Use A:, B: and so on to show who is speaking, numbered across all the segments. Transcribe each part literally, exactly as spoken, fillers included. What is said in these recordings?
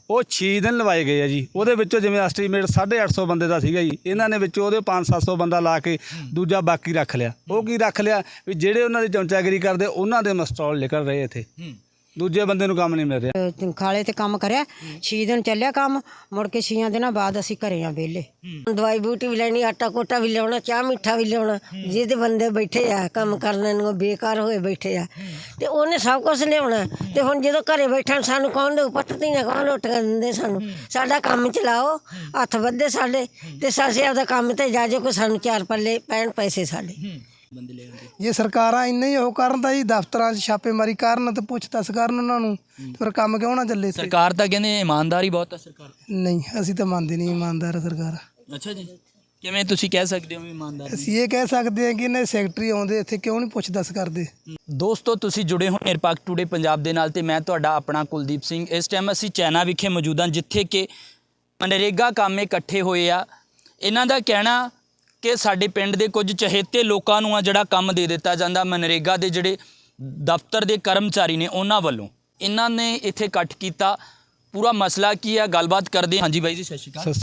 A: ਉਹ ਛੇ ਦਿਨ ਲਵਾਏ ਗਏ ਆ ਜੀ। ਉਹਦੇ ਵਿੱਚੋਂ ਜਿਵੇਂ ਐਸਟੀਮੇਟ ਸਾਢੇ ਅੱਠ ਸੌ ਬੰਦੇ ਦਾ ਸੀਗਾ ਜੀ, ਇਹਨਾਂ ਨੇ ਵਿੱਚੋਂ ਉਹਦੇ ਪੰਜ ਸੱਤ ਸੌ ਬੰਦਾ ਲਾ ਕੇ ਦੂਜਾ ਬਾਕੀ ਰੱਖ ਲਿਆ। ਉਹ ਕੀ ਰੱਖ ਲਿਆ ਵੀ ਜਿਹੜੇ ਉਹਨਾਂ ਦੀ ਚਮਚਾਗਿਰੀ ਕਰਦੇ ਉਹਨਾਂ ਦੇ ਮਸਟਾਲ ਨਿਕਲ ਰਹੇ ਇੱਥੇ, ਦੂਜੇ ਬੰਦੇ ਨੂੰ ਕੰਮ ਨਹੀਂ ਮਿਲ ਰਿਹਾ।
B: ਖਾਲੇ ਤੇ ਕੰਮ ਕਰਿਆ ਛੇ ਦਿਨ ਚੱਲਿਆ ਕੰਮ, ਮੁੜ ਕੇ ਛੇ ਦਿਨਾਂ ਬਾਅਦ ਅਸੀਂ ਘਰੇ ਆ ਵਿਹਲੇ।
C: ਦਵਾਈ ਬੂਟੀ ਵੀ ਲੈਣੀ, ਆਟਾ ਕੋਟਾ ਵੀ ਲਿਆਉਣਾ, ਚਾਹ ਮਿੱਠਾ ਵੀ ਲਿਆਉਣਾ। ਜਿਹਦੇ ਬੰਦੇ ਬੈਠੇ ਆ ਕੰਮ ਕਰਨ ਨੂੰ ਬੇਕਾਰ ਹੋਏ ਬੈਠੇ ਆ ਤੇ ਉਹਨੇ ਸਭ ਕੁਝ ਲਿਆਉਣਾ। ਤੇ ਹੁਣ ਜਦੋਂ ਘਰੇ ਬੈਠਣ ਸਾਨੂੰ ਕੌਣ ਦੇ ਪੱਟਦੀ ਨਾ ਕੌਣ ਰੋਟੀਆਂ ਦਿੰਦੇ ਸਾਨੂੰ। ਸਾਡਾ ਕੰਮ ਚਲਾਓ, ਹੱਥ ਵੱਧੇ ਸਾਡੇ ਤੇ ਅਸੀਂ ਆਪਦਾ ਕੰਮ ਤੇ ਜਾ ਜੋ ਕੋਈ ਸਾਨੂੰ ਚਾਰ ਪੱਲੇ ਪੈਣ ਪੈਸੇ ਸਾਡੇ।
D: ਜੇ ਸਰਕਾਰਾਂ ਇੰਨੇ ਹੀ ਉਹ ਕਰਨ ਤਾਂ ਜੀ ਦਫ਼ਤਰਾਂ 'ਚ ਛਾਪੇਮਾਰੀ ਕਰਨ ਤੇ ਪੁੱਛ ਦੱਸ ਕਰਨ ਉਹਨਾਂ ਨੂੰ, ਫਿਰ ਕੰਮ ਕਿਉਂ ਨਾ ਚੱਲੇ।
E: ਸਰਕਾਰ ਤਾਂ ਕਹਿੰਦੇ ਇਮਾਨਦਾਰੀ ਬਹੁਤ ਹੈ ਸਰਕਾਰ।
D: ਨਹੀਂ, ਅਸੀਂ ਤਾਂ ਮੰਨਦੇ ਨਹੀਂ ਇਮਾਨਦਾਰ ਸਰਕਾਰ।
E: ਅੱਛਾ ਜੀ, ਕਿਵੇਂ ਤੁਸੀਂ ਕਹਿ ਸਕਦੇ ਹੋ ਵੀ ਇਮਾਨਦਾਰ?
D: ਅਸੀਂ ਇਹ ਕਹਿ ਸਕਦੇ ਹਾਂ ਕਿ ਇਹਨੇ ਸੈਕਟਰੀ ਆਉਂਦੇ ਇੱਥੇ ਕਿਉਂ ਨਹੀਂ ਪੁੱਛ ਦੱਸ ਕਰਦੇ।
E: ਦੋਸਤੋ, ਤੁਸੀਂ ਜੁੜੇ ਹੋ ਨਿਰਪੱਖ ਟੂਡੇ ਪੰਜਾਬ ਦੇ ਨਾਲ ਤੇ ਮੈਂ ਤੁਹਾਡਾ ਆਪਣਾ ਕੁਲਦੀਪ ਸਿੰਘ। ਇਸ ਟਾਈਮ ਅਸੀਂ ਚੈਨਾ ਵਿਖੇ ਮੌਜੂਦ ਹਾਂ, ਜਿੱਥੇ ਕਿ ਮਨਰੇਗਾ ਕੰਮ ਇਕੱਠੇ ਹੋਏ ਆ। ਇਹਨਾਂ ਦਾ ਕਹਿਣਾ ਕਿ ਸਾਡੇ ਪਿੰਡ ਦੇ ਕੁਝ ਚਹੇਤੇ ਲੋਕਾਂ ਨੂੰ ਆ ਜਿਹੜਾ ਕੰਮ ਦੇ ਦਿੱਤਾ ਜਾਂਦਾ ਮਨਰੇਗਾ ਦੇ ਜਿਹੜੇ ਦਫ਼ਤਰ ਦੇ ਕਰਮਚਾਰੀ ਨੇ ਉਹਨਾਂ ਵੱਲੋਂ। ਇਹਨਾਂ ਨੇ ਇੱਥੇ ਇਕੱਠ ਕੀਤਾ, ਪੂਰਾ ਮਸਲਾ ਕੀ ਹੈ ਗੱਲਬਾਤ ਕਰਦੇ। ਹਾਂਜੀ ਬਾਈ ਜੀ, ਸਤਿ ਸ਼੍ਰੀ ਅਕਾਲ।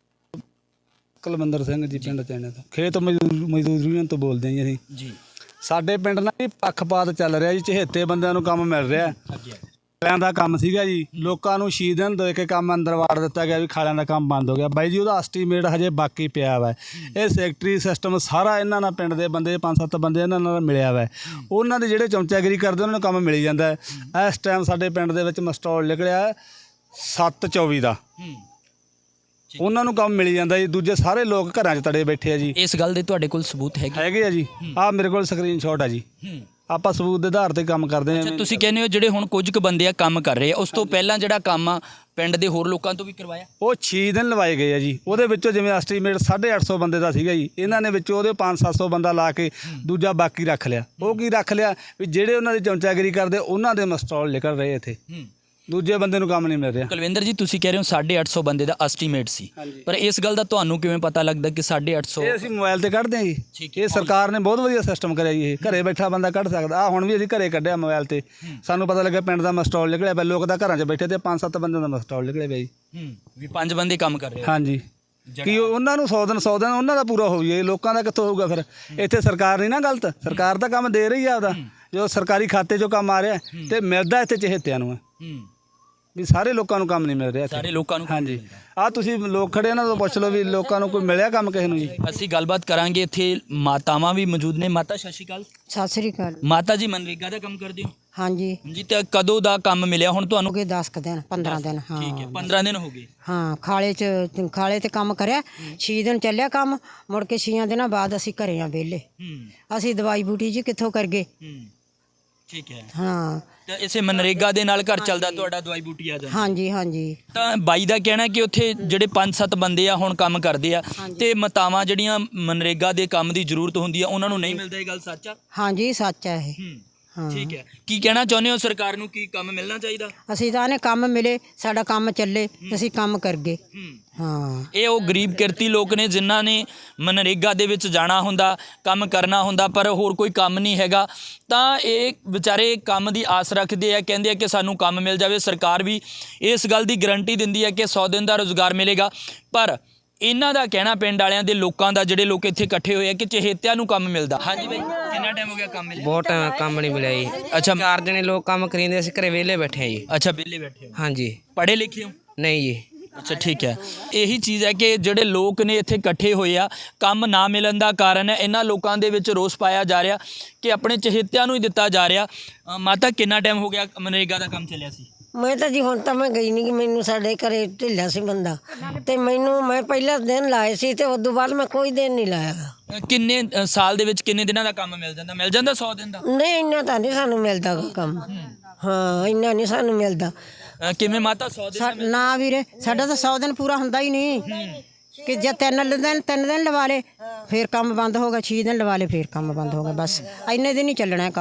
A: ਕੁਲਵਿੰਦਰ ਸਿੰਘ ਜੀ, ਪਿੰਡ ਚੈਣੇ ਤੋਂ, ਖੇਤ ਮਜ਼ਦੂਰ ਮਜ਼ਦੂਰ ਯੂਨੀਅਨ ਤੋਂ ਬੋਲਦੇ ਹਾਂ ਜੀ ਅਸੀਂ
E: ਜੀ।
A: ਸਾਡੇ ਪਿੰਡ ਨਾਲ ਜੀ ਪੱਖਪਾਤ ਚੱਲ ਰਿਹਾ ਜੀ, ਚਹੇਤੇ ਬੰਦਿਆਂ ਨੂੰ ਕੰਮ ਮਿਲ ਰਿਹਾ। ਖਾਲਿਆਂ ਦਾ ਕੰਮ ਸੀਗਾ ਜੀ, ਲੋਕਾਂ ਨੂੰ ਛੇ ਦਿਨ ਦੇ ਕੇ ਕੰਮ ਅੰਦਰ ਵਾੜ ਦਿੱਤਾ ਗਿਆ ਵੀ ਖਾਲਿਆਂ ਦਾ ਕੰਮ ਬੰਦ ਹੋ ਗਿਆ। ਬਾਈ ਜੀ ਉਹਦਾ ਐਸਟੀਮੇਟ ਹਜੇ ਬਾਕੀ ਪਿਆ ਵਾ। ਇਹ ਸੈਕਟਰੀ ਸਿਸਟਮ ਸਾਰਾ ਇਹਨਾਂ ਨਾਲ ਪਿੰਡ ਦੇ ਬੰਦੇ ਪੰਜ ਸੱਤ ਬੰਦੇ ਇਹਨਾਂ ਨਾਲ ਮਿਲਿਆ ਵਾ। ਉਹਨਾਂ ਦੇ ਜਿਹੜੇ ਚਮਚਾਗਿਰੀ ਕਰਦੇ ਉਹਨਾਂ ਨੂੰ ਕੰਮ ਮਿਲ ਜਾਂਦਾ ਹੈ। ਇਸ ਟਾਈਮ ਸਾਡੇ ਪਿੰਡ ਦੇ ਵਿੱਚ ਮਸਟਾਲ ਨਿਕਲਿਆ ਸੱਤ ਚੌਵੀ ਦਾ, ਉਹਨਾਂ ਨੂੰ ਕੰਮ ਮਿਲ ਜਾਂਦਾ ਜੀ। ਦੂਜੇ ਸਾਰੇ ਲੋਕ ਘਰਾਂ 'ਚ ਤੜੇ ਬੈਠੇ ਆ ਜੀ।
E: ਇਸ ਗੱਲ ਦੇ ਤੁਹਾਡੇ ਕੋਲ ਸਬੂਤ ਹੈਗੇ?
A: ਹੈਗੇ ਆ ਜੀ, ਆਹ ਮੇਰੇ ਕੋਲ ਸਕਰੀਨ ਸ਼ਾਟ ਆ ਜੀ। ਆਪਾਂ ਸਬੂਤ ਦੇ ਆਧਾਰ ਤੇ ਕੰਮ ਕਰਦੇ ਹਾਂ।
E: ਤੁਸੀਂ ਕਹਿੰਦੇ ਹੋ ਜਿਹੜੇ ਹੁਣ ਕੁਝ ਕੁ ਬੰਦੇ ਆ ਕੰਮ ਕਰ ਰਹੇ ਆ, ਉਸ ਤੋਂ ਪਹਿਲਾਂ ਜਿਹੜਾ ਕੰਮ ਆ ਪਿੰਡ ਦੇ ਹੋਰ ਲੋਕਾਂ ਤੋਂ ਵੀ ਕਰਵਾਇਆ?
A: ਉਹ ਛੇ ਦਿਨ ਲਵਾਏ ਗਏ ਆ ਜੀ। ਉਹਦੇ ਵਿੱਚੋਂ ਜਿਵੇਂ ਐਸਟੀਮੇਟ ਸਾਢੇ ਅੱਠ ਸੌ ਬੰਦੇ ਦਾ ਸੀਗਾ ਜੀ, ਇਹਨਾਂ ਨੇ ਵਿੱਚੋਂ ਉਹਦੇ ਪੰਜ ਸੱਤ ਸੌ ਬੰਦਾ ਲਾ ਕੇ ਦੂਜਾ ਬਾਕੀ ਰੱਖ ਲਿਆ। ਉਹ ਕੀ ਰੱਖ ਲਿਆ ਵੀ ਜਿਹੜੇ ਉਹਨਾਂ ਦੀ ਚਮਚਾਗਿਰੀ ਕਰਦੇ ਉਹਨਾਂ ਦੇ ਮਸਟਾਲ ਨਿਕਲ ਰਹੇ ਇੱਥੇ, ਦੂਜੇ ਬੰਦੇ ਨੂੰ ਕੰਮ ਨਹੀਂ ਮਿਲ ਰਿਹਾ।
E: ਕੁਲਵਿੰਦਰ ਜੀ, ਤੁਸੀਂ ਕਹਿ ਰਹੇ ਹੋ ਸਾਢੇ ਅੱਠ ਸੌ ਬੰਦੇ ਦਾ ਐਸਟੀਮੇਟ ਸੀ, ਪਰ ਇਸ ਗੱਲ ਦਾ ਤੁਹਾਨੂੰ ਕਿਵੇਂ ਪਤਾ ਲੱਗਦਾ ਕਿ ਸਾਢੇ ਅੱਠ ਸੌ?
A: ਇਹ ਅਸੀਂ ਮੋਬਾਈਲ ਤੇ ਕੱਢਦੇ ਹਾਂ ਜੀ। ਇਹ ਸਰਕਾਰ ਨੇ ਬਹੁਤ ਵਧੀਆ ਸਿਸਟਮ ਕਰਿਆ ਜੀ। ਇਹ ਘਰੇ ਬੈਠਾ ਬੰਦਾ ਕੱਢ ਸਕਦਾ। ਆ ਹੁਣ ਵੀ ਅਸੀਂ ਘਰੇ ਕੱਢਿਆ ਮੋਬਾਈਲ ਤੇ, ਸਾਨੂੰ ਪਤਾ ਲੱਗਾ ਪਿੰਡ ਦਾ ਮਸਟਾਲ ਨਿਕਲਿਆ ਪਿਆ। ਲੋਕ ਤਾਂ ਘਰਾਂ 'ਚ ਬੈਠੇ ਤੇ ਪੰਜ ਸੱਤ ਬੰਦਿਆਂ ਦਾ ਮਸਟਾਲ ਨਿਕਲਿਆ ਪਿਆ ਜੀ।
E: ਵੀ ਪੰਜ ਬੰਦੇ ਕੰਮ ਕਰ ਰਹੇ?
A: ਹਾਂਜੀ। ਕੀ ਉਹਨਾਂ ਨੂੰ ਸੌ ਦਿਨ ਸੌ ਦਿਨ ਉਹਨਾਂ ਦਾ ਪੂਰਾ ਹੋ ਜਾਏ, ਲੋਕਾਂ ਦਾ ਕਿੱਥੋਂ ਹੋਊਗਾ ਫਿਰ? ਇੱਥੇ ਸਰਕਾਰ ਨਹੀਂ ਨਾ ਗਲਤ, ਸਰਕਾਰ ਤਾਂ ਕੰਮ ਦੇ ਰਹੀ ਆ ਆਪਦਾ, ਜੋ ਸਰਕਾਰੀ ਖਾਤੇ 'ਚੋਂ ਕੰਮ ਆ ਰਿਹਾ ਤੇ ਮਿਲਦਾ ਇੱਥੇ ਚਹੇਤਿਆਂ ਨੂੰ ਵੀ ਸਾਰੇ ਲੋਕਾਂ ਨੂੰ ਕੰਮ ਨਹੀਂ ਮਿਲ ਰਿਹਾ।
E: ਸਾਰੇ ਲੋਕਾਂ ਨੂੰ?
A: ਹਾਂਜੀ। ਆਹ ਤੁਸੀਂ ਲੋਕ ਖੜੇ ਇਹਨਾਂ ਤੋਂ ਪੁੱਛ ਲਓ ਵੀ ਲੋਕਾਂ ਨੂੰ ਕੋਈ ਮਿਲਿਆ ਕੰਮ ਕਿਸੇ ਨੂੰ ਜੀ।
E: ਅਸੀਂ ਗੱਲਬਾਤ ਕਰਾਂਗੇ। ਇੱਥੇ ਮਾਤਾਵਾਂ ਵੀ ਮੌਜੂਦ ਨੇ। ਮਾਤਾ ਸਤਿ ਸ਼੍ਰੀ ਅਕਾਲ।
B: ਸਤਿ ਸ੍ਰੀ ਅਕਾਲ।
E: ਮਾਤਾ ਜੀ, ਮਨਰੇਗਾ ਦਾ ਕੰਮ ਕਰਦੇ ਹੋ?
B: ਹਾਂਜੀ
E: ਜੀ। ਤੇ ਕਦੋਂ ਦਾ ਕੰਮ ਮਿਲਿਆ ਹੁਣ ਤੁਹਾਨੂੰ?
B: ਹੋ ਗਏ ਦਸ ਕੁ ਦਿਨ, ਪੰਦਰਾਂ ਦਿਨ। ਹਾਂ
E: ਠੀਕ ਹੈ, ਪੰਦਰਾਂ ਦਿਨ ਹੋ ਗਏ।
B: ਹਾਂ, ਖਾਲੇ 'ਚ ਖਾਲੇ ਤੇ ਕੰਮ ਕਰਿਆ ਛੇ ਦਿਨ ਚੱਲਿਆ ਕੰਮ, ਮੁੜ ਕੇ ਛੇ ਦਿਨਾਂ ਬਾਅਦ ਅਸੀਂ ਘਰੇ ਆ ਵਿਹਲੇ। ਅਸੀਂ ਦਵਾਈ ਬੂਟੀ ਜੀ ਕਿੱਥੋਂ ਕਰ ਗਏ।
E: ਠੀਕ ਹੈ।
B: ਹਾਂ,
E: ਤੇ ਇਸੇ ਮਨਰੇਗਾ ਦੇ ਨਾਲ ਘਰ ਚੱਲਦਾ ਤੁਹਾਡਾ, ਦਵਾਈ ਬੂਟੀ ਆ ਜਾਂਦੀ?
B: ਹਾਂਜੀ ਹਾਂਜੀ।
E: ਤਾਂ ਬਾਈ ਦਾ ਕਹਿਣਾ ਕਿ ਉੱਥੇ ਜਿਹੜੇ ਪੰਜ ਸੱਤ ਬੰਦੇ ਆ ਹੁਣ ਕੰਮ ਕਰਦੇ ਆ ਤੇ ਮਾਤਾਵਾਂ ਜਿਹੜੀਆਂ ਮਨਰੇਗਾ ਦੇ ਕੰਮ ਦੀ ਜ਼ਰੂਰਤ ਹੁੰਦੀ ਆ ਉਹਨਾਂ ਨੂੰ ਨਹੀਂ ਮਿਲਦਾ। ਇਹ ਗੱਲ ਸੱਚ ਆ?
B: ਹਾਂਜੀ, ਸੱਚ ਹੈ ਇਹ। ਹਾਂ,
E: ਠੀਕ ਹੈ। ਕੀ ਕਹਿਣਾ ਚਾਹੁੰਦੇ ਹੋ ਸਰਕਾਰ ਨੂੰ, ਕੀ ਕੰਮ ਮਿਲਣਾ ਚਾਹੀਦਾ?
B: ਅਸੀਂ ਤਾਂ ਨੇ ਕੰਮ ਮਿਲੇ, ਸਾਡਾ ਕੰਮ ਚੱਲੇ, ਅਸੀਂ ਕੰਮ ਕਰ ਗਏ। ਹਾਂ,
E: ਇਹ ਉਹ ਗਰੀਬ ਕਿਰਤੀ ਲੋਕ ਨੇ ਜਿਨ੍ਹਾਂ ਨੇ ਮਨਰੇਗਾ ਦੇ ਵਿੱਚ ਜਾਣਾ ਹੁੰਦਾ, ਕੰਮ ਕਰਨਾ ਹੁੰਦਾ, ਪਰ ਹੋਰ ਕੋਈ ਕੰਮ ਨਹੀਂ ਹੈਗਾ। ਤਾਂ ਇਹ ਵਿਚਾਰੇ ਕੰਮ ਦੀ ਆਸ ਰੱਖਦੇ ਆ, ਕਹਿੰਦੇ ਆ ਕਿ ਸਾਨੂੰ ਕੰਮ ਮਿਲ ਜਾਵੇ। ਸਰਕਾਰ ਵੀ ਇਸ ਗੱਲ ਦੀ ਗਰੰਟੀ ਦਿੰਦੀ ਹੈ ਕਿ ਸੌ ਦਿਨ ਦਾ ਰੁਜ਼ਗਾਰ ਮਿਲੇਗਾ, ਪਰ ਇਹਨਾਂ ਦਾ ਕਹਿਣਾ, ਪਿੰਡ ਵਾਲਿਆਂ ਦੇ ਲੋਕਾਂ ਦਾ, ਜਿਹੜੇ ਲੋਕ ਇੱਥੇ ਇਕੱਠੇ ਹੋਏ ਆ, ਕਿ ਚਹੇਤਿਆਂ ਨੂੰ ਕੰਮ ਮਿਲਦਾ। ਹਾਂਜੀ ਬਾਈ, ਕਿੰਨਾ ਟਾਈਮ ਹੋ ਗਿਆ ਕੰਮ ਮਿਲਿਆ?
F: ਬਹੁਤ ਟਾਈਮ ਕੰਮ ਨਹੀਂ ਮਿਲਿਆ ਜੀ।
E: ਅੱਛਾ,
F: ਚਾਰ ਜਣੇ ਲੋਕ ਕੰਮ ਕਰੀਂਦੇ, ਅਸੀਂ ਘਰੇ ਵਿਹਲੇ ਬੈਠੇ ਆ ਜੀ।
E: ਅੱਛਾ, ਵਿਹਲੇ ਬੈਠੇ ਹੋ?
F: ਹਾਂਜੀ।
E: ਪੜ੍ਹੇ ਲਿਖੇ ਹੋ?
F: ਨਹੀਂ ਜੀ।
E: ਅੱਛਾ, ਠੀਕ ਹੈ। ਇਹੀ ਚੀਜ਼ ਹੈ ਕਿ ਜਿਹੜੇ ਲੋਕ ਨੇ ਇੱਥੇ ਇਕੱਠੇ ਹੋਏ ਆ, ਕੰਮ ਨਾ ਮਿਲਣ ਦਾ ਕਾਰਨ ਹੈ ਇਹਨਾਂ ਲੋਕਾਂ ਦੇ ਵਿੱਚ ਰੋਸ ਪਾਇਆ ਜਾ ਰਿਹਾ ਕਿ ਆਪਣੇ ਚਹੇਤਿਆਂ ਨੂੰ ਹੀ ਦਿੱਤਾ ਜਾ ਰਿਹਾ। ਮਾਤਾ, ਕਿੰਨਾ ਟਾਈਮ ਹੋ ਗਿਆ ਮਨਰੇਗਾ ਦਾ ਕੰਮ ਚੱਲਿਆ ਸੀ?
C: ਮੈਂ ਤਾਂ ਜੀ ਹੁਣ ਤਾਂ ਮੈਂ ਗਈ ਨਹੀਂ, ਕਿ ਮੈਨੂੰ ਸਾਡੇ ਘਰੇ ਢਿੱਲਾ ਸੀ ਬੰਦਾ ਤੇ ਮੈਨੂੰ ਮੈਂ ਪਹਿਲਾ ਦਿਨ ਲਾਏ ਸੀ ਤੇ ਉਦੋਂ ਬਾਅਦ ਮੈਂ ਕੋਈ ਦਿਨ ਨਹੀਂ ਲਾਇਆ।
E: ਕਿੰਨੇ ਅ, ਸਾਲ ਦੇ ਵਿੱਚ ਕਿੰਨੇ ਦਿਨਾਂ ਦਾ ਕੰਮ ਮਿਲ ਜਾਂਦਾ? ਮਿਲ ਜਾਂਦਾ ਸੌ ਦਿਨ ਦਾ?
C: ਨਹੀਂ, ਇੰਨਾ ਤਾਂ ਨਹੀਂ ਸਾਨੂੰ ਮਿਲਦਾ ਕੰਮ। ਹਾਂ, ਇੰਨਾ ਨਹੀਂ ਸਾਨੂੰ ਮਿਲਦਾ।
E: ਅ, ਕਿਵੇਂ ਮਾਤਾ, ਸੌ ਦਿਨ?
B: ਸਾ- ਨਾ ਵੀਰੇ, ਸਾਡਾ ਤਾਂ ਸੌ ਦਿਨ ਪੂਰਾ ਹੁੰਦਾ ਹੀ ਨਹੀਂ। ਕਿ ਜੇ ਤਿੰਨ ਦਿਨ ਤਿੰਨ ਦਿਨ ਲਵਾ ਲਏ ਫਿਰ ਕੰਮ ਬੰਦ ਹੋ ਗਿਆ, ਛੇ ਦਿਨ ਲਵਾ ਲਏ ਫਿਰ ਕੰਮ ਬੰਦ ਹੋ ਗਿਆ। ਬਸ ਇੰਨੇ ਦਿਨ ਹੀ ਚੱਲਣਾ ਕੰਮ।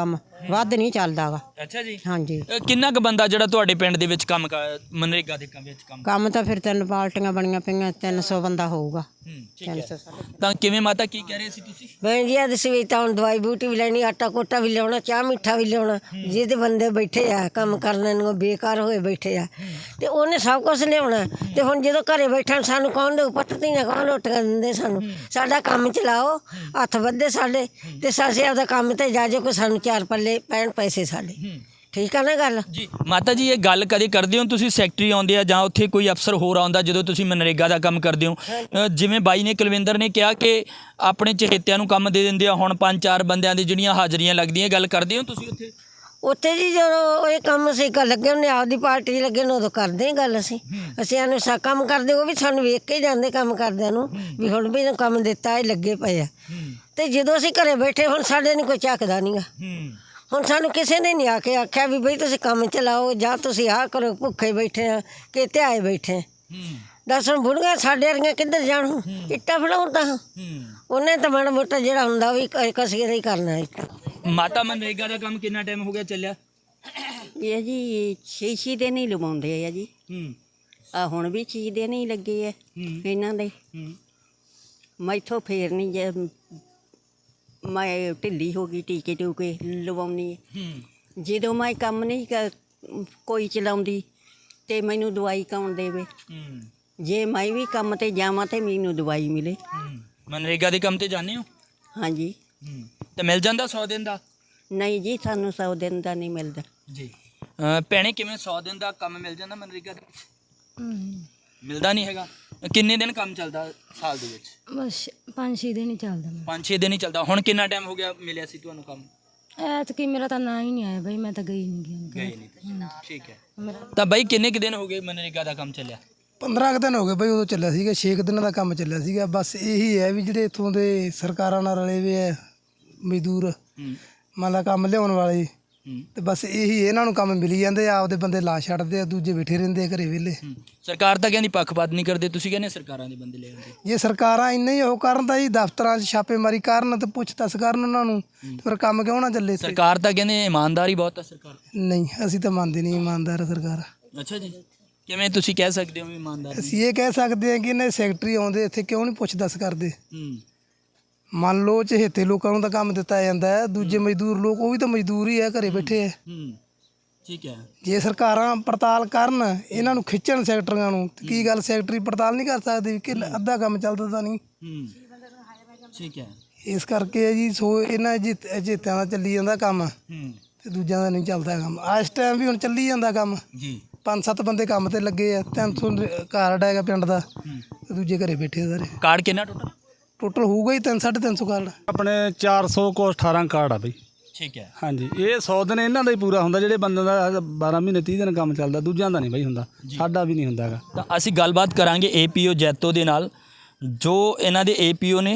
B: ਵੱਧ ਨਹੀਂ ਚੱਲਦਾਗਾ।
E: ਅੱਛਾ ਜੀ।
B: ਹਾਂਜੀ
E: ਅ, ਕਿੰਨਾ ਕੁ ਬੰਦਾ ਜਿਹੜਾ ਤੁਹਾਡੇ ਪਿੰਡ ਦੇ ਵਿੱਚ ਕੰਮ ਕਰ ਮਨਰੇਗਾ ਦੇ ਕੰਮ ਵਿੱਚ ਕੰਮ
B: ਕੰਮ ਤਾਂ ਫਿਰ ਤਿੰਨ ਪਾਰਟੀਆਂ ਬਣੀਆਂ ਪਈਆਂ, ਤਿੰਨ ਸੌ ਬੰਦਾ ਹੋਊਗਾ।
E: ਹੂੰ ਠੀਕ
B: ਤਿੰਨ
E: ਹੈ।
B: ਸੌ ਸਾਢੇ ਤਿੰਨ
E: ਤਾਂ ਕਿਵੇਂ ਮਾਤਾ ਕੀ ਕਹਿ ਰਹੇ ਸੀ ਤੁਸੀਂ?
C: ਭੈਣ ਜੀ ਅੱਜ ਸਵੇਰ ਤਾਂ ਹੁਣ ਦਵਾਈ ਬੂਟੀ ਵੀ ਲੈਣੀ, ਆਟਾ ਕੋਟਾ ਵੀ ਲਿਆਉਣਾ, ਚਾਹ ਮਿੱਠਾ ਵੀ ਲਿਆਉਣਾ। ਜਿਹਦੇ ਬੰਦੇ ਬੈਠੇ ਆ ਕੰਮ ਕਰਨ ਨੂੰ ਬੇਕਾਰ ਹੋਏ ਬੈਠੇ ਆ ਤੇ ਉਹਨੇ ਸਭ ਕੁਝ ਲਿਆਉਣਾ। ਤੇ ਹੁਣ ਜਦੋਂ ਘਰੇ ਬੈਠਣ ਸਾਨੂੰ ਕੌਣ ਦੇ ਪੱਟਦੀ ਨਾ ਕੌਣ ਰੋਟੀਆਂ ਦਿੰਦੇ ਸਾਨੂੰ। ਸਾਡਾ ਕੰਮ ਚਲਾਓ, ਹੱਥ ਵੱਧੇ ਸਾਡੇ ਤੇ ਸਾਸੇ ਆਪਦਾ ਕੰਮ ਤੇ ਜਾ ਜੇ ਕੋਈ ਸਾਨੂੰ ਚਾਰ ਪੱਲੇ ਪੈਣ ਪੈਸੇ ਸਾਡੇ। ਠੀਕ ਆ ਨਾ ਗੱਲ?
E: ਜੀ ਮਾਤਾ ਜੀ, ਇਹ ਗੱਲ ਕਦੇ ਕਰਦੇ ਹੋ ਤੁਸੀਂ ਸੈਕਟਰੀ ਆਉਂਦੇ ਆ ਜਾਂ ਉੱਥੇ ਕੋਈ ਅਫਸਰ ਹੋਰ ਆਉਂਦਾ ਜਦੋਂ ਤੁਸੀਂ ਮਨਰੇਗਾ ਦਾ ਕੰਮ ਕਰਦੇ ਹੋ? ਅ, ਜਿਵੇਂ ਬਾਈ ਨੇ ਕੁਲਵਿੰਦਰ ਨੇ ਕਿਹਾ ਕਿ ਆਪਣੇ ਚਹੇਤਿਆਂ ਨੂੰ ਕੰਮ ਦੇ ਦਿੰਦੇ ਆ, ਹੁਣ ਪੰਜ ਚਾਰ ਬੰਦਿਆਂ ਦੀ ਜਿਹੜੀਆਂ ਹਾਜ਼ਰੀਆਂ ਲੱਗਦੀਆਂ, ਗੱਲ ਕਰਦੇ ਹੋ ਤੁਸੀਂ ਉੱਥੇ?
C: ਉੱਥੇ ਜੀ ਜਦੋਂ ਇਹ ਕੰਮ ਅਸੀਂ ਕਰ ਲੱਗੇ ਹੁੰਦੇ ਆਪਦੀ ਪਾਰਟੀ 'ਚ ਲੱਗੇ ਨੇ ਉਦੋਂ ਕਰਦੇ ਹਾਂ ਗੱਲ ਅਸੀਂ ਅਸੀਂ ਇਹਨੂੰ ਸਾ ਕੰਮ ਕਰਦੇ, ਉਹ ਵੀ ਸਾਨੂੰ ਵੇਖ ਕੇ ਜਾਂਦੇ ਕੰਮ ਕਰਦਿਆਂ ਨੂੰ ਵੀ ਹੁਣ ਵੀ ਇਹਨੂੰ ਕੰਮ ਦਿੱਤਾ, ਇਹ ਲੱਗੇ ਪਏ ਆ। ਤੇ ਜਦੋਂ ਅਸੀਂ ਘਰੇ ਬੈਠੇ ਹੁਣ ਸਾਡੇ ਨੂੰ ਕੋਈ ਝੱਕਦਾ ਨਹੀਂਗਾ। ਹੁਣ ਸਾਨੂੰ ਕਿਸੇ ਨੇ ਨਹੀਂ ਆ ਕੇ ਆਖਿਆ ਵੀ ਬਈ ਤੁਸੀਂ ਕੰਮ ਚਲਾਓ ਜਾਂ ਤੁਸੀਂ ਆਹ ਕਰੋ, ਭੁੱਖੇ ਬੈਠੇ ਆ ਕਿ ਧਿਆਏ ਬੈਠੇ ਆ। ਦੱਸ ਹੁਣ ਬੁੜੀਆਂ ਸਾਡੇ ਵਰਗੀਆਂ ਕਿੱਧਰ ਜਾਣ? ਇੱਟਾਂ ਫੜਾਉਣ ਤਾਂ ਉਹਨੇ ਤਾਂ ਮਾੜਾ ਮੋਟਾ ਜਿਹੜਾ ਹੁੰਦਾ ਉਹ ਵੀ ਕਸੀਏ ਦਾ ਹੀ ਕਰਨਾ ਇੱਟਾਂ।
E: ਮਾਤਾ ਮਨਰੇਗਾ ਦਾ ਕੰਮ ਕਿੰਨਾ ਟਾਈਮ ਹੋ ਗਿਆ ਚੱਲਿਆ?
G: ਇਹ ਜੀ ਛੇ ਛੇ ਦਿਨ ਹੀ ਲਵਾਉਂਦੇ ਆ ਜੀ।
E: ਹੂੰ
G: ਆ ਹੁਣ ਵੀ ਛੇ ਦਿਨ ਹੀ ਲੱਗੇ ਆ ਇਹਨਾਂ ਦੇ।
E: ਹੂੰ
G: ਮੈਥੋਂ ਫੇਰ ਨਹੀਂ ਜੇ ਮੈਂ ਢਿੱਲੀ ਹੋ ਗਈ, ਟੀਕੇ ਟੂਕੇ ਲਵਾਉਣੀ।
E: ਹੂੰ
G: ਜਦੋਂ ਮੈਂ ਕੰਮ ਨਹੀਂ ਕ- ਕੋਈ ਚਲਾਉਂਦੀ ਤੇ ਮੈਨੂੰ ਦਵਾਈ ਕੌਣ ਦੇਵੇ?
E: ਹੂੰ
G: ਜੇ ਮੈਂ ਵੀ ਕੰਮ ਤੇ ਜਾਵਾਂ ਤੇ ਮੈਨੂੰ ਦਵਾਈ ਮਿਲੇ।
E: ਹੂੰ ਮਨਰੇਗਾ ਦੇ ਕੰਮ ਤੇ ਜਾਂਦੇ ਹੋ?
G: ਹਾਂਜੀ।
E: ਹੂੰ ਤੇ ਮਿਲ ਜਾਂਦਾ ਸੌ ਦਿਨ ਦਾ?
G: ਨਹੀਂ ਜੀ, ਸਾਨੂੰ ਸੌ ਦਿਨ ਦਾ ਨਹੀਂ ਮਿਲਦਾ।
E: ਜੀ ਭੈਣੇ, ਕਿਵੇਂ ਸੌ ਦਿਨ ਦਾ ਕੰਮ ਮਿਲ ਜਾਂਦਾ ਮਨਰੇਗਾ ਦੇ ਵਿੱਚ? ਮਿਲਦਾ ਨਹੀਂ ਹੈਗਾ। ਕਿੰਨੇ ਦਿਨ ਕੰਮ ਚੱਲਦਾ ਸਾਲ ਦੇ ਵਿੱਚ?
H: ਬਸ ਪੰਜ ਛੇ ਦਿਨ ਹੀ ਚੱਲਦਾ ਮੈਂ।
E: ਪੰਜ ਛੇ ਦਿਨ ਹੀ ਚੱਲਦਾ। ਹੁਣ ਕਿੰਨਾ ਟਾਈਮ ਹੋ ਗਿਆ ਮਿਲਿਆ ਸੀ ਤੁਹਾਨੂੰ ਕੰਮ?
H: ਐਤਕੀ ਮੇਰਾ ਤਾਂ ਨਾਂ ਹੀ ਨਹੀਂ ਆਇਆ ਬਈ, ਮੈਂ ਤਾਂ ਗਈ ਨਹੀਂ ਗਈ
E: ਗਏ ਨਹੀਂ। ਠੀਕ ਹੈ। ਤਾਂ ਬਾਈ ਕਿੰਨੇ ਕੁ ਦਿਨ ਹੋ ਗਏ ਮਨਰੇਗਾ ਦਾ ਕੰਮ ਚੱਲਿਆ?
D: ਪੰਦਰਾਂ ਕੁ ਦਿਨ ਹੋ ਗਏ ਬਈ, ਉਦੋਂ ਚੱਲਿਆ ਸੀਗਾ, ਛੇ ਕੁ ਦਿਨਾਂ ਦਾ ਕੰਮ ਚੱਲਿਆ ਸੀਗਾ। ਬਸ ਇਹੀ ਹੈ ਵੀ ਜਿਹੜੇ ਇੱਥੋਂ ਦੇ ਸਰਕਾਰਾਂ ਨਾਲ ਰਲੇ ਵੇ ਹੈ ਮਜ਼ਦੂਰ,
E: ਹੂੰ
D: ਮੰਨ ਲਾ ਕੰਮ ਲਿਆਉਣ ਵਾਲੇ,
E: ਹੂੰ
D: ਤੇ ਬਸ ਇਹੀ ਇਹਨਾਂ ਨੂੰ ਕੰਮ ਮਿਲੀ ਜਾਂਦੇ ਆ, ਆਪਦੇ ਬੰਦੇ ਲਾ ਛੱਡਦੇ ਆ, ਦੂਜੇ ਬੈਠੇ ਰਹਿੰਦੇ ਆ ਘਰੇ ਵਿਹਲੇ।
E: ਹੂੰ। ਸਰਕਾਰ ਤਾਂ ਕਹਿੰਦੀ ਪੱਖਪਾਤ ਨਹੀਂ ਕਰਦੇ, ਤੁਸੀਂ ਕਹਿੰਦੇ ਸਰਕਾਰਾਂ ਦੇ ਬੰਦੇ ਲੈ ਆਉਂਦੇ।
D: ਜੇ ਸਰਕਾਰਾਂ ਇੰਨਾ ਹੀ ਉਹ ਕਰਨ ਤਾਂ ਜੀ ਦਫ਼ਤਰਾਂ 'ਚ ਛਾਪੇਮਾਰੀ ਕਰਨ ਤੇ ਪੁੱਛ ਦੱਸ ਕਰਨ ਉਹਨਾਂ ਨੂੰ, ਤੇ ਫਿਰ ਕੰਮ ਕਿਉਂ ਨਾ ਚੱਲੇ ਇੱਥੇ?
E: ਸਰਕਾਰ ਤਾਂ ਕਹਿੰਦੇ ਇਮਾਨਦਾਰੀ ਬਹੁਤ ਹੈ ਸਰਕਾਰ।
D: ਨਹੀਂ, ਅਸੀਂ ਤਾਂ ਮੰਨਦੇ ਨਹੀਂ ਇਮਾਨਦਾਰ ਸਰਕਾਰ।
E: ਅੱਛਾ ਜੀ, ਕਿਵੇਂ ਤੁਸੀਂ ਕਹਿ ਸਕਦੇ ਹੋ ਵੀ ਇਮਾਨਦਾਰ?
D: ਅਸੀਂ ਇਹ ਕਹਿ ਸਕਦੇ ਹਾਂ ਕਿ ਇਹਨਾਂ ਦੇ ਸੈਕਟਰੀ ਆਉਂਦੇ ਇੱਥੇ ਕਿਉਂ ਨਹੀਂ ਪੁੱਛ ਦੱਸ ਕਰਦੇ?
E: ਹੂੰ
D: ਮੰਨ ਲਓ ਚਹੇਤੇ ਲੋਕਾਂ ਨੂੰ ਤਾਂ ਕੰਮ ਦਿੱਤਾ ਜਾਂਦਾ ਹੈ, ਦੂਜੇ ਮਜ਼ਦੂਰ ਲੋਕ ਉਹ ਵੀ ਤਾਂ ਮਜ਼ਦੂਰ ਹੀ ਹੈ, ਘਰੇ ਬੈਠੇ ਹੈ।
E: ਹੂੰ ਠੀਕ ਹੈ।
D: ਜੇ ਸਰਕਾਰਾਂ ਪੜਤਾਲ ਕਰਨ, ਇਹਨਾਂ ਨੂੰ ਖਿੱਚਣ ਸੈਕਟਰੀਆਂ ਨੂੰ, ਤੇ ਕੀ ਗੱਲ ਸੈਕਟਰੀ ਪੜਤਾਲ ਨਹੀਂ ਕਰ ਸਕਦੇ ਕਿ ਅੱਧਾ ਕੰਮ ਚੱਲਦਾ ਤਾਂ ਨਹੀਂ?
E: ਹੂੰ ਠੀਕ ਹੈ।
D: ਇਸ ਕਰਕੇ ਹੈ ਜੀ, ਸੋ ਇਹਨਾਂ ਅਜੇਤਿਆਂ ਦਾ ਚੱਲੀ ਜਾਂਦਾ ਕੰਮ
E: ਹੂੰ
D: ਤੇ ਦੂਜਿਆਂ ਦਾ ਨਹੀਂ ਚੱਲਦਾ ਕੰਮ। ਇਸ ਟਾਈਮ ਵੀ ਹੁਣ ਚੱਲੀ ਜਾਂਦਾ ਕੰਮ,
E: ਜੀ।
D: ਪੰਜ ਸੱਤ ਬੰਦੇ ਕੰਮ ਤੇ ਲੱਗੇ ਆ, ਤਿੰਨ ਸੌ ਕਾਰਡ ਹੈਗਾ ਪਿੰਡ ਦਾ, ਤੇ ਦੂਜੇ ਘਰੇ ਬੈਠੇ ਸਾਰੇ।
E: ਕਾਰਡ ਕਿੰਨਾ ਟੋਟਲ?
D: ਟੋਟਲ ਹੋਊਗਾ ਹੀ ਤਿੰਨ ਸਾਢੇ ਤਿੰਨ ਸੌ ਕਾਰਡ।
A: ਆਪਣੇ ਚਾਰ ਸੌ ਕੋ ਅਠਾਰਾਂ ਕਾਰਡ ਆ ਬਈ।
E: ਠੀਕ ਹੈ।
A: ਹਾਂਜੀ, ਇਹ ਸੌ ਦਿਨ ਇਹਨਾਂ ਦਾ ਹੀ ਪੂਰਾ ਹੁੰਦਾ, ਜਿਹੜੇ ਬੰਦੇ ਦਾ ਬਾਰਾਂ ਮਹੀਨੇ ਤੀਹ ਦਿਨ ਕੰਮ ਚੱਲਦਾ, ਦੂਜਿਆਂ ਦਾ ਨਹੀਂ ਬਈ ਹੁੰਦਾ, ਸਾਡਾ ਵੀ ਨਹੀਂ ਹੁੰਦਾ ਹੈਗਾ।
E: ਤਾਂ ਅਸੀਂ ਗੱਲਬਾਤ ਕਰਾਂਗੇ ਏਪੀਓ ਜੈਤੋ ਦੇ ਨਾਲ, ਜੋ ਇਹਨਾਂ ਦੇ ਏਪੀਓ ਨੇ।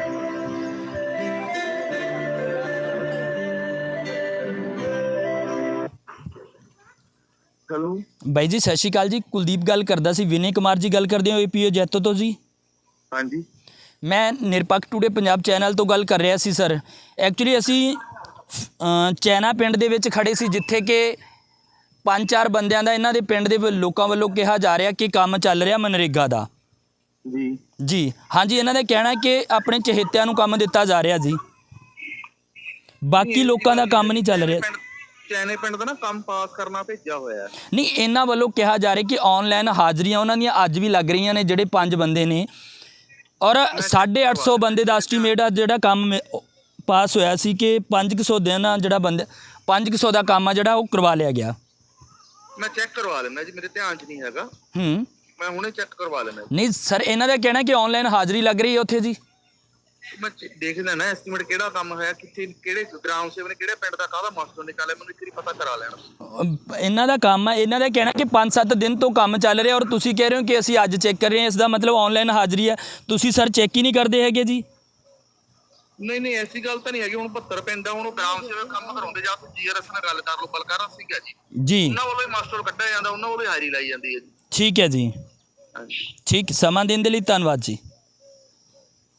I: ਹੈਲੋ
E: ਬਾਈ ਜੀ ਸਤਿ ਸ਼੍ਰੀ ਅਕਾਲ ਜੀ, ਕੁਲਦੀਪ ਗੱਲ ਕਰਦਾ ਸੀ। ਵਿਨੇ ਕੁਮਾਰ ਜੀ ਗੱਲ ਕਰਦੇ ਹੋ ਏਪੀਓ ਜੈਤੋ ਤੋਂ ਜੀ?
I: ਹਾਂਜੀ।
E: ਮੈਂ ਨਿਰਪੱਖ ਟੂਡੇ ਪੰਜਾਬ ਚੈਨਲ ਤੋਂ ਗੱਲ ਕਰ ਰਿਹਾ ਸੀ ਸਰ। ਐਕਚੁਅਲੀ ਅਸੀਂ ਅ, ਚੈਨਾ ਪਿੰਡ ਦੇ ਵਿੱਚ ਖੜੇ ਸੀ, ਜਿੱਥੇ ਕਿ ਪੰਜ ਚਾਰ ਬੰਦਿਆਂ ਦਾ ਇਹਨਾਂ ਦੇ ਪਿੰਡ ਦੇ ਲੋਕਾਂ ਵੱਲੋਂ ਕਿਹਾ ਜਾ ਰਿਹਾ ਕਿ ਕੰਮ ਚੱਲ ਰਿਹਾ ਮਨਰੇਗਾ ਦਾ।
I: ਜੀ
E: ਜੀ ਹਾਂਜੀ, ਇਹਨਾਂ ਦਾ ਕਹਿਣਾ ਕਿ ਆਪਣੇ ਚਹੇਤਿਆਂ ਨੂੰ ਕੰਮ ਦਿੱਤਾ ਜਾ ਰਿਹਾ ਜੀ, ਬਾਕੀ ਲੋਕਾਂ ਦਾ ਕੰਮ ਨਹੀਂ ਚੱਲ ਰਿਹਾ।
I: ਚੈਨੇ ਪਿੰਡ ਦਾ ਨਾ ਕੰਮ ਪਾਸ ਕਰਨਾ ਭੇਜਿਆ ਹੋਇਆ ਹੈ।
E: ਨਹੀਂ, ਇਹਨਾਂ ਵੱਲੋਂ ਕਿਹਾ ਜਾ ਰਿਹਾ ਕਿ ਆਨਲਾਈਨ ਹਾਜ਼ਰੀਆਂ ਉਹਨਾਂ ਦੀਆਂ ਅੱਜ ਵੀ ਲੱਗ ਰਹੀਆਂ ਨੇ, ਜਿਹੜੇ ਪੰਜ ਬੰਦੇ ਨੇ, ਔਰ ਸਾਢੇ ਅੱਠ ਸੌ ਬੰਦੇ ਦਾ ਐਸਟੀਮੇਟ ਆ ਜਿਹੜਾ ਕੰਮ ਪਾਸ ਹੋਇਆ ਸੀ ਕਿ ਪੰਜ ਕੁ ਸੌ ਦਿਨ ਆ ਜਿਹੜਾ ਬੰਦੇ ਪੰਜ ਕੁ ਸੌ ਦਾ ਕੰਮ ਆ ਜਿਹੜਾ ਉਹ ਕਰਵਾ ਲਿਆ ਗਿਆ।
I: ਮੈਂ ਚੈੱਕ ਕਰਵਾ ਲੈਣਾ ਜੀ, ਮੇਰੇ ਧਿਆਨ 'ਚ ਨਹੀਂ ਹੈਗਾ,
E: ਹੂੰ
I: ਮੈਂ ਹੁਣੇ ਚੈੱਕ ਕਰਵਾ ਲੈਣਾ।
E: ਨਹੀਂ ਸਰ, ਇਹਨਾਂ ਦਾ ਕਹਿਣਾ ਕਿ ਆਨਲਾਈਨ ਹਾਜ਼ਰੀ ਲੱਗ ਰਹੀ ਹੈ ਉੱਥੇ ਜੀ।
I: ਮੈਂ ਚ- ਦੇਖ ਲੈਣਾ ਐਸਟੀਮੇਟ ਕਿਹੜਾ ਕੰਮ ਹੋਇਆ, ਕਿੱਥੇ, ਕਿਹੜੇ ਗ੍ਰਾਮ ਸੇਵਕ ਨੇ, ਕਿਹੜੇ ਪਿੰਡ ਦਾ ਕਾਹਦਾ ਮਾਸਟਰ ਨਿਕਾਲਿਆ, ਮੈਨੂੰ ਇੱਕ ਵਾਰੀ ਪਤਾ ਕਰਾ ਲੈਣਾ।
E: ਅਹ ਇਹਨਾਂ ਦਾ ਕੰਮ ਆ, ਇਹਨਾਂ ਦਾ ਕਹਿਣਾ ਕਿ ਪੰਜ ਸੱਤ ਦਿਨ ਤੋਂ ਕੰਮ ਚੱਲ ਰਿਹਾ, ਔਰ ਤੁਸੀਂ ਕਹਿ ਰਹੇ ਹੋ ਕਿ ਅਸੀਂ ਅੱਜ ਚੈੱਕ ਕਰ ਰਹੇ ਹਾਂ, ਇਸ ਦਾ ਮਤਲਬ ਆਨਲਾਈਨ ਹਾਜ਼ਰੀ ਹੈ। ਤੁਸੀਂ ਸਰ ਚੈੱਕ ਹੀ ਨਹੀਂ ਕਰਦੇ ਹੈਗੇ ਜੀ?
I: ਨਹੀਂ ਨਹੀਂ, ਐਸੀ ਗੱਲ ਤਾਂ ਨਹੀਂ ਹੈਗੀ। ਹੁਣ ਬਹੱਤਰ ਪਿੰਡ ਆ, ਹੁਣ ਉਹ ਗ੍ਰਾਮ ਸੇਵਕ ਕੰਮ ਕਰਾਉਂਦੇ, ਜਾਂ ਤੁਸੀਂ ਜੀਆਰਐਸ ਨਾਲ ਗੱਲ ਕਰ ਲਓ, ਬਲਕਾਰ ਸਿੰਘ ਹੈ ਜੀ,
E: ਜੀ
I: ਉਹਨਾਂ ਵੱਲੋਂ ਹੀ ਮਾਸਟਰ ਕੱਢਿਆ ਜਾਂਦਾ, ਉਹਨਾਂ ਵੱਲੋਂ ਹੀ ਹਾਜ਼ਰੀ ਲਾਈ ਜਾਂਦੀ ਹੈ ਜੀ।
E: ਠੀਕ ਹੈ ਜੀ,
I: ਹਾਂਜੀ।
E: ਠੀਕ, ਸਮਾਂ ਦੇਣ ਦੇ ਲਈ ਧੰਨਵਾਦ ਜੀ।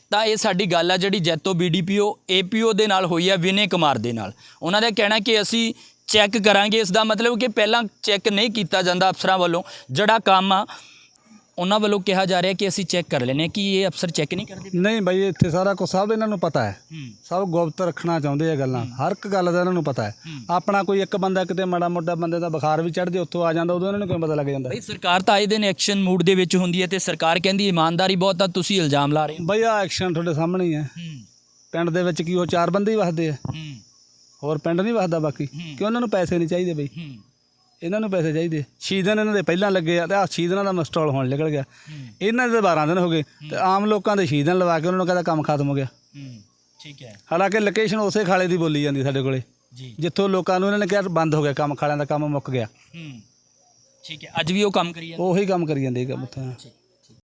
E: ਤਾਂ ਇਹ ਸਾਡੀ ਗੱਲ ਆ ਜਿਹੜੀ Jaito B D P O A P O ਦੇ ਨਾਲ ਹੋਈ ਆ, ਵਿਨੇ ਕੁਮਾਰ ਦੇ ਨਾਲ। ਉਹਨਾਂ ਦਾ ਕਹਿਣਾ ਕਿ ਅਸੀਂ ਚੈੱਕ ਕਰਾਂਗੇ। ਇਸ ਦਾ ਮਤਲਬ ਕਿ ਪਹਿਲਾਂ ਚੈੱਕ ਨਹੀਂ ਕੀਤਾ ਜਾਂਦਾ ਅਫਸਰਾਂ ਵੱਲੋਂ, ਜਿਹੜਾ ਕੰਮ ਆ ਉਹਨਾਂ ਵੱਲੋਂ ਕਿਹਾ ਜਾ ਰਿਹਾ ਕਿ ਅਸੀਂ ਚੈੱਕ ਕਰ ਲੈਂਦੇ ਹਾਂ। ਕਿ ਇਹ ਅਫਸਰ ਚੈੱਕ ਨਹੀਂ ਕਰਦੇ?
A: ਨਹੀਂ ਬਾਈ, ਇੱਥੇ ਸਾਰਾ ਕੁਝ ਸਭ ਇਹਨਾਂ ਨੂੰ ਪਤਾ ਹੈ, ਸਭ ਗੁਪਤ ਰੱਖਣਾ ਚਾਹੁੰਦੇ ਆ ਗੱਲਾਂ, ਹਰ ਇੱਕ ਗੱਲ ਦਾ ਇਹਨਾਂ ਨੂੰ ਪਤਾ ਹੈ। ਆਪਣਾ ਕੋਈ ਇੱਕ ਬੰਦਾ ਕਿਤੇ ਮਾੜਾ ਮੋਟਾ ਬੰਦੇ ਦਾ ਬੁਖਾਰ ਵੀ ਚੜ੍ਹਦੇ ਉੱਥੋਂ ਆ ਜਾਂਦਾ, ਉਦੋਂ ਇਹਨਾਂ ਨੂੰ ਕਿਵੇਂ ਪਤਾ ਲੱਗ ਜਾਂਦਾ?
E: ਬਈ ਸਰਕਾਰ ਤਾਂ ਆਏ ਦਿਨ ਐਕਸ਼ਨ ਮੂਡ ਦੇ ਵਿੱਚ ਹੁੰਦੀ ਹੈ ਤੇ ਸਰਕਾਰ ਕਹਿੰਦੀ ਇਮਾਨਦਾਰੀ ਬਹੁਤ ਆ, ਤੁਸੀਂ ਇਲਜ਼ਾਮ ਲਾ ਰਹੇ ਹੋ।
A: ਬਈ ਆ ਐਕਸ਼ਨ ਤੁਹਾਡੇ ਸਾਹਮਣੇ ਹੀ ਹੈ। ਪਿੰਡ ਦੇ ਵਿੱਚ ਕੀ ਉਹ ਚਾਰ ਬੰਦੇ ਹੀ ਵਸਦੇ ਆ, ਹੋਰ ਪਿੰਡ ਨਹੀਂ ਵਸਦਾ ਬਾਕੀ? ਕਿ ਉਹਨਾਂ ਨੂੰ ਪੈਸੇ ਨਹੀਂ ਚਾਹੀਦੇ ਬਈ? ਇਹਨਾਂ ਨੂੰ ਪੈਸੇ ਚਾਹੀਦੇ। ਛੇ ਦਿਨ ਇਹਨਾਂ ਦੇ ਪਹਿਲਾਂ ਲੱਗੇ ਆ ਤੇ ਆਹ ਛੇ ਦਿਨਾਂ ਦਾ ਮਸਟਾਲ ਹੋਣ ਨਿਕਲ ਗਿਆ। ਇਹਨਾਂ ਦੇ ਬਾਰਾਂ ਦਿਨ ਹੋ ਗਏ ਤੇ ਆਮ ਲੋਕਾਂ ਦੇ ਛੇ ਦਿਨ ਲਵਾ ਕੇ ਉਹਨਾਂ ਨੂੰ ਕਹਿੰਦਾ ਕੰਮ ਖਤਮ ਹੋ ਗਿਆ।
E: ਠੀਕ ਹੈ।
A: ਹਾਲਾਂਕਿ ਲੋਕੇਸ਼ਨ ਉਸੇ ਖਾਲੇ ਦੀ ਬੋਲੀ ਜਾਂਦੀ ਸਾਡੇ ਕੋਲੇ, ਜਿੱਥੋਂ ਲੋਕਾਂ ਨੂੰ ਇਹਨਾਂ ਨੇ ਕਿਹਾ ਬੰਦ ਹੋ ਗਿਆ ਕੰਮ, ਖਾਲਿਆਂ ਦਾ ਕੰਮ ਮੁੱਕ ਗਿਆ।
E: ਠੀਕ ਹੈ। ਅੱਜ ਵੀ ਉਹ ਕੰਮ ਕਰੀ ਜਾਂਦੇ?
A: ਉਹੀ ਕੰਮ ਕਰੀ ਜਾਂਦੇ ਕੰਮ ਉੱਥੇ।